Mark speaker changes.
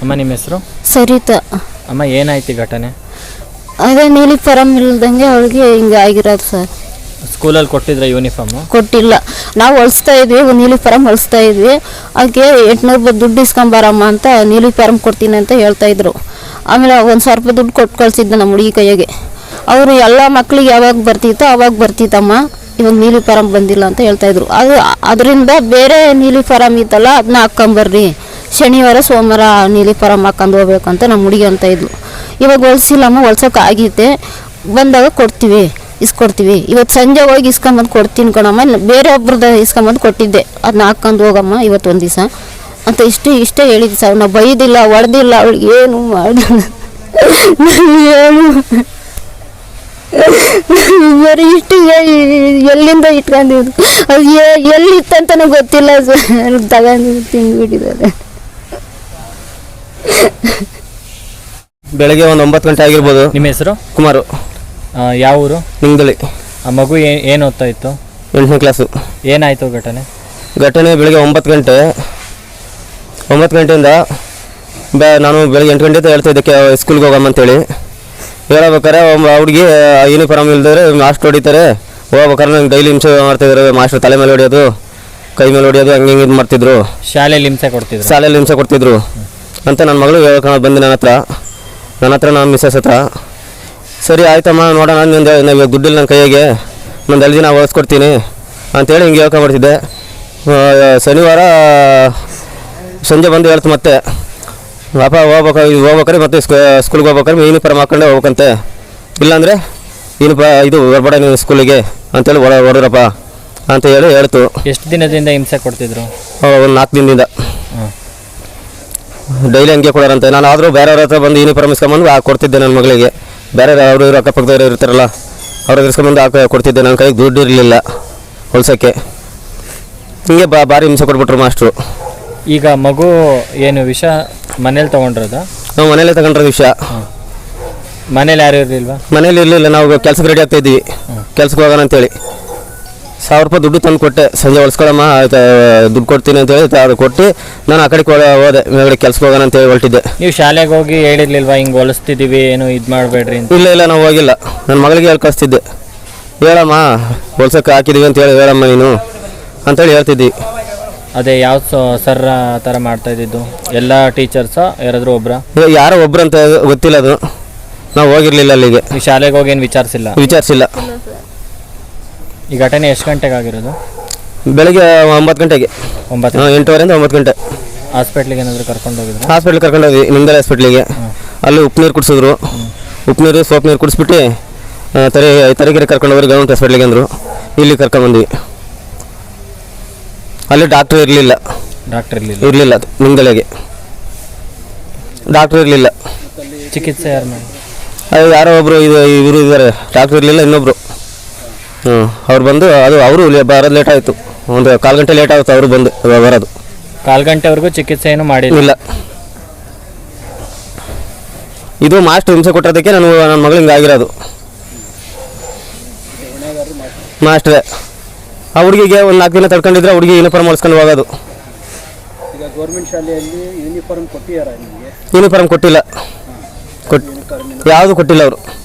Speaker 1: ಅಮ್ಮ ನಿಮ್ಮ ಹೆಸರು?
Speaker 2: ಸರಿತಾ.
Speaker 1: ಅಮ್ಮ ಏನಾಯ್ತು ಘಟನೆ?
Speaker 2: ಅದೇ ನೀಲಿ ಫಾರಮ್ ಇಲ್ದಂಗೆ ಅವಳಿಗೆ ಹಿಂಗೆ ಆಗಿರೋದು ಸರ್.
Speaker 1: ಸ್ಕೂಲಲ್ಲಿ ಕೊಟ್ಟಿದ್ರೆ ಯೂನಿಫಾರ್ಮು?
Speaker 2: ಕೊಟ್ಟಿಲ್ಲ. ನಾವು ಹೊಲಿಸ್ತಾ ಇದ್ವಿ, ಒಂದು ನೀಲಿ ಫಾರಮ್ ಹೊಲಿಸ್ತಾ ಇದ್ವಿ. ಅದಕ್ಕೆ 800 ರೂಪಾಯಿ ದುಡ್ಡು ಇಸ್ಕೊಂಬಾರಮ್ಮ ಅಂತ ನೀಲಿ ಫಾರಮ್ ಕೊಡ್ತೀನಿ ಅಂತ ಹೇಳ್ತಾಯಿದ್ರು. ಆಮೇಲೆ 1,000 ರೂಪಾಯಿ ದುಡ್ಡು ಕೊಟ್ಟು ಕಳಿಸಿದ್ದೆ ನಮ್ಮ ಹುಡುಗಿ ಕೈಯಾಗೆ. ಅವರು ಎಲ್ಲ ಮಕ್ಳಿಗೆ ಯಾವಾಗ ಬರ್ತಿತ್ತೋ ಅವಾಗ ಬರ್ತಿತ್ತಮ್ಮ, ಇವಾಗ ನೀಲಿ ಫಾರಮ್ ಬಂದಿಲ್ಲ ಅಂತ ಹೇಳ್ತಾಯಿದ್ರು. ಅದರಿಂದ ಬೇರೆ ನೀಲಿ ಫಾರಮ್ ಇತ್ತಲ್ಲ ಅದನ್ನ ಹಾಕ್ಕೊಂಬರ್ರಿ, ಶನಿವಾರ ಸೋಮವಾರ ನೀಲಿ ಫಾರಮ್ ಹಾಕೊಂಡು ಹೋಗ್ಬೇಕು ಅಂತ ನಮ್ಮ ಹುಡುಗಿ ಅಂತ ಇದ್ಲು. ಇವಾಗ ಹೊಲಿಸಿಲ್ಲಮ್ಮ, ಹೊಲ್ಸೋಕೆ ಆಗೈತೆ, ಬಂದಾಗ ಕೊಡ್ತೀವಿ, ಇಸ್ಕೊಡ್ತೀವಿ. ಇವತ್ತು ಸಂಜೆ ಹೋಗಿ ಇಸ್ಕೊಂಬಂದು ಕೊಡ್ತೀನಿ ಕಣಮ್ಮ, ಬೇರೆ ಒಬ್ರದ್ದು ಇಸ್ಕೊಂಬಂದು ಕೊಟ್ಟಿದ್ದೆ, ಅದನ್ನ ಹಾಕ್ಕೊಂಡು ಹೋಗಮ್ಮ ಇವತ್ತು ಒಂದು ದಿವಸ ಅಂತ ಇಷ್ಟೇ ಹೇಳಿದ್ದೆ ಸರ್. ನಾವು ಬೈದಿಲ್ಲ, ಹೊಡೆದಿಲ್ಲ, ಅವಳಿಗೆ ಏನು ಮಾಡಿಲ್ಲ, ಏನು ಬರೀ ಇಷ್ಟು ಎಲ್ಲಿಂದ ಇಟ್ಕೊಂಡಿದ್ದು, ಅದು ಎಲ್ಲಿತ್ತಂತನೂ ಗೊತ್ತಿಲ್ಲ ಸರ್, ತಗೊಂಡು ತಿಂದ್ಬಿಟ್ಟಿದ್ದಾರೆ.
Speaker 3: ಬೆಳಗ್ಗೆ ಒಂದು 9 ಗಂಟೆ ಆಗಿರ್ಬೋದು.
Speaker 1: ನಿಮ್ಮ ಹೆಸರು?
Speaker 3: ಕುಮಾರು.
Speaker 1: ಯಾವ ಊರು?
Speaker 3: ನಿಂಗದಳ್ಳಿ.
Speaker 1: ಆ ಮಗು ಏನು ಓದ್ತಾ ಇತ್ತು?
Speaker 3: 8ನೇ ಕ್ಲಾಸು.
Speaker 1: ಏನಾಯಿತು ಘಟನೆ?
Speaker 3: ಬೆಳಗ್ಗೆ 9 ಗಂಟೆಯಿಂದ ನಾನು ಬೆಳಗ್ಗೆ 8 ಗಂಟೆ ಹೇಳ್ತಾಯಿದ್ದಕ್ಕೆ ಸ್ಕೂಲ್ಗೆ ಹೋಗಮ್ಮ ಅಂತೇಳಿ ಹೇಳ್ಬೇಕಾರೆ ಹುಡುಗಿ ಯೂನಿಫಾರ್ಮ್ ಇಲ್ದಿದ್ರೆ ಮಾಸ್ಟರ್ ಹೊಡಿತಾರೆ, ಹೋಗ್ಬೇಕಾದ್ರೆ ನಂಗೆ ಡೈಲಿ ಹಿಂಸೆ ಮಾಡ್ತಿದ್ರು. ಮಾಸ್ಟರ್ ತಲೆ ಮೇಲೆ ಹೊಡಿಯೋದು, ಕೈ ಮೇಲೆ ಹೊಡಿಯೋದು, ಹಂಗೆ ಇದು ಮಾಡ್ತಿದ್ರು.
Speaker 1: ಶಾಲೆಯಲ್ಲಿ ಹಿಂಸೆ
Speaker 3: ಕೊಡ್ತಿದ್ರು ಅಂತ ನನ್ನ ಮಗಳು ಹೇಳ್ಕೊಂಡು ಬಂದು ನನ್ನ ಹತ್ರ ನಾನು ಮಿಸ್ಸಸ್ ಹತ್ರ. ಸರಿ ಆಯ್ತಮ್ಮ, ನೋಡೋಣ, ಇವಾಗ ದುಡ್ಡಿಲ್ಲ ನನ್ನ ಕೈಯಾಗೆ, ನಾನು 2 ದಿನ ಓದಿಸ್ಕೊಡ್ತೀನಿ ಅಂತೇಳಿ ಹಿಂಗೆ ಹೇಳ್ಕೊಂಡ್ಬರ್ತಿದ್ದೆ. ಶನಿವಾರ ಸಂಜೆ ಬಂದು ಹೇಳ್ತು ಮತ್ತೆ, ಪಾಪ ಹೋಗ್ಬೇಕಾರೆ ಮತ್ತೆ ಸ್ಕೂಲ್ಗೆ ಹೋಗ್ಬೇಕಾದ್ರೆ ಯೂನಿಫಾರ್ಮ್ ಹಾಕೊಂಡೆ ಹೋಗ್ಬೇಕಂತೆ, ಇಲ್ಲಾಂದರೆ ಇದು ಹೊರಬೇಡ ನೀವು ಸ್ಕೂಲಿಗೆ ಅಂತೇಳಿ ಹೊಡೋರಪ್ಪ ಅಂತ ಹೇಳಿ ಹೇಳ್ತು.
Speaker 1: ಎಷ್ಟು ದಿನದಿಂದ ಹಿಂಸೆ ಕೊಡ್ತಿದ್ರು?
Speaker 3: ಒಂದು 4 ದಿನದಿಂದ ಡೈಲಿ ಹಂಗೆ ಕೊಡೋರಂತೆ. ನಾನು ಆದರೂ ಬೇರೆಯವ್ರ ಹತ್ರ ಬಂದು ಯೂನಿಫಾರ್ಮ್ ಇಸ್ಕೊಂಬಂದು ಕೊಡ್ತಿದ್ದೆ ನನ್ನ ಮಗಳಿಗೆ. ಬೇರೆ ಅವರು ಅಕ್ಕಪಕ್ಕದವ್ರು ಇರ್ತಾರಲ್ಲ ಅವ್ರಿಗೆ ಇಸ್ಕೊಂಬಂದು ಕೊಡ್ತಿದ್ದೆ. ನನ್ನ ಕೈಗೆ ದುಡ್ಡು ಇರಲಿಲ್ಲ ಹೊಲ್ಸೋಕ್ಕೆ. ಹಿಂಗೆ ಭಾರಿ ಹಿಂಸೆ ಕೊಟ್ಬಿಟ್ರು ಮಾಸ್ಟ್ರು.
Speaker 1: ಈಗ ಮಗು ಏನು ವಿಷ ಮನೇಲಿ ತೊಗೊಂಡ್ರದ?
Speaker 3: ನಾವು ಮನೇಲೇ ತಗೊಂಡ್ರೆ ವಿಷಯ.
Speaker 1: ಮನೇಲಿ ಯಾರು ಇರಲಿಲ್ವಾ?
Speaker 3: ಮನೇಲಿ ಇರಲಿಲ್ಲ, ನಾವು ಕೆಲ್ಸಕ್ಕೆ ರೆಡಿ ಆಗ್ತಾಯಿದ್ವಿ, ಕೆಲ್ಸಕ್ಕೆ ಹೋಗೋಣ ಅಂತೇಳಿ 1000 ರೂಪಾಯಿ ದುಡ್ಡು ತಂದು ಕೊಟ್ಟೆ. ಸಂಜೆ ಹೊಲ್ಸ್ಕೊಳಮ್ಮ, ದುಡ್ಡು ಕೊಡ್ತೀನಿ ಅಂತೇಳಿ ಅದು ಕೊಟ್ಟು ನಾನು ಆ ಕಡೆಗೆ ಹೋದೆ, ಮೇಗಡೆ ಕೆಲ್ಸಕ್ಕೆ ಹೋಗೋಣ ಅಂತೇಳಿ ಹೊರಟಿದ್ದೆ.
Speaker 1: ನೀವು ಶಾಲೆಗೆ ಹೋಗಿ ಹೇಳಿರ್ಲಿಲ್ವಾ ಹಿಂಗೆ ಹೊಲಿಸ್ತಿದ್ದೀವಿ, ಏನು ಇದು ಮಾಡಬೇಡ್ರಿ ಅಂತ?
Speaker 3: ಇಲ್ಲ, ನಾವು ಹೋಗಿಲ್ಲ. ನನ್ನ ಮಗಳಿಗೆ ಹೇಳಿ ಕಳಿಸ್ತಿದ್ದೆ, ಹೇಳಮ್ಮ ಹೊಲ್ಸಕ್ಕೆ ಹಾಕಿದ್ದೀವಿ ಅಂತೇಳಿ ಹೇಳಮ್ಮ ನೀನು ಅಂತೇಳಿ ಹೇಳ್ತಿದ್ವಿ.
Speaker 1: ಅದೇ ಯಾವ ಸರ್ ಆ ಥರ ಮಾಡ್ತಾ ಇದ್ದಿದ್ದು? ಎಲ್ಲ ಟೀಚರ್ಸಾ ಯಾರಾದರೂ ಒಬ್ರಾ?
Speaker 3: ಯಾರೋ ಒಬ್ರು ಅಂತ ಗೊತ್ತಿಲ್ಲ, ಅದು ನಾವು ಹೋಗಿರ್ಲಿಲ್ಲ ಅಲ್ಲಿಗೆ.
Speaker 1: ನೀವು ಶಾಲೆಗೆ ಹೋಗಿ ಏನು ವಿಚಾರಿಸಿಲ್ಲ? ಈ ಘಟನೆ ಎಷ್ಟು ಗಂಟೆಗೆ ಆಗಿರೋದು?
Speaker 3: ಬೆಳಗ್ಗೆ 9 ಗಂಟೆಗೆ. 8:30ರಿಂದ 9 ಗಂಟೆ.
Speaker 1: ಹಾಸ್ಪಿಟ್ಲಿಗೆ ಏನಾದರೂ ಕರ್ಕೊಂಡು ಹೋಗಿದ್ರು?
Speaker 3: ಹಾಸ್ಪಿಟ್ಲಿಗೆ ಕರ್ಕೊಂಡೋಗಿ, ನಿಂಗದಳ್ಳಿ ಹಾಸ್ಪಿಟ್ಲಿಗೆ. ಅಲ್ಲಿ ಉಪ್ಪು ನೀರು ಕುಡಿಸಿದ್ರು, ಉಪ್ಪು ನೀರು ಸೋಪ್ ನೀರು ಕುಡಿಸ್ಬಿಟ್ಟು ತರೀಕೆರೆ ಕರ್ಕೊಂಡೋಗಿ ಗೌರ್ಮೆಂಟ್ ಹಾಸ್ಪಿಟ್ಲಿಗೆ ಅಂದರು. ಇಲ್ಲಿ ಕರ್ಕೊಂಡ್ಬಂದ್ವಿ. ಅಲ್ಲಿ ಡಾಕ್ಟ್ರ್ ಇರಲಿಲ್ಲ. ನಿಂಗದಳ್ಳಿಗೆ ಡಾಕ್ಟ್ರ್ ಇರಲಿಲ್ಲ.
Speaker 1: ಚಿಕಿತ್ಸೆ ಯಾರು ಮಾಡಿ?
Speaker 3: ಅದು ಯಾರೋ ಒಬ್ಬರು ಇವರು ಇದ್ದಾರೆ, ಡಾಕ್ಟ್ರ್ ಇರಲಿಲ್ಲ, ಇನ್ನೊಬ್ಬರು. ಅವ್ರು ಬಂದು ಅವರು ಬರೋದು ಲೇಟ್ ಆಯಿತು, ಒಂದು 1/4 ಗಂಟೆ ಲೇಟ್ ಆಗುತ್ತೆ ಅವರು ಬಂದು ಬರೋದು.
Speaker 1: 1/4 ಗಂಟೆವರೆಗೂ ಚಿಕಿತ್ಸೆ ಏನು ಮಾಡಿಲ್ಲ?
Speaker 3: ಇದು ಮಾಸ್ಟರ್ ಹಿಂಸೆ ಕೊಟ್ಟಿರೋದಕ್ಕೆ ನನ್ನ ಮಗಳು ಹಿಂಗೆ ಆಗಿರೋದು. ಮಾಸ್ಟ್ರೇ ಆ ಹುಡುಗಿಗೆ ಒಂದು 4 ದಿನ ತಡ್ಕೊಂಡಿದ್ರೆ ಹುಡುಗಿ ಯೂನಿಫಾರ್ಮ್ ಹೊಲ್ಸ್ಕೊಂಡು ಹೋಗೋದು.
Speaker 4: ಈಗ ಗೌರ್ಮೆಂಟ್ ಶಾಲೆಯಲ್ಲಿ ಯೂನಿಫಾರ್ಮ್ ಕೊಟ್ಟಿಲ್ಲ.
Speaker 3: ಯಾವುದು ಕೊಟ್ಟಿಲ್ಲ ಅವರು.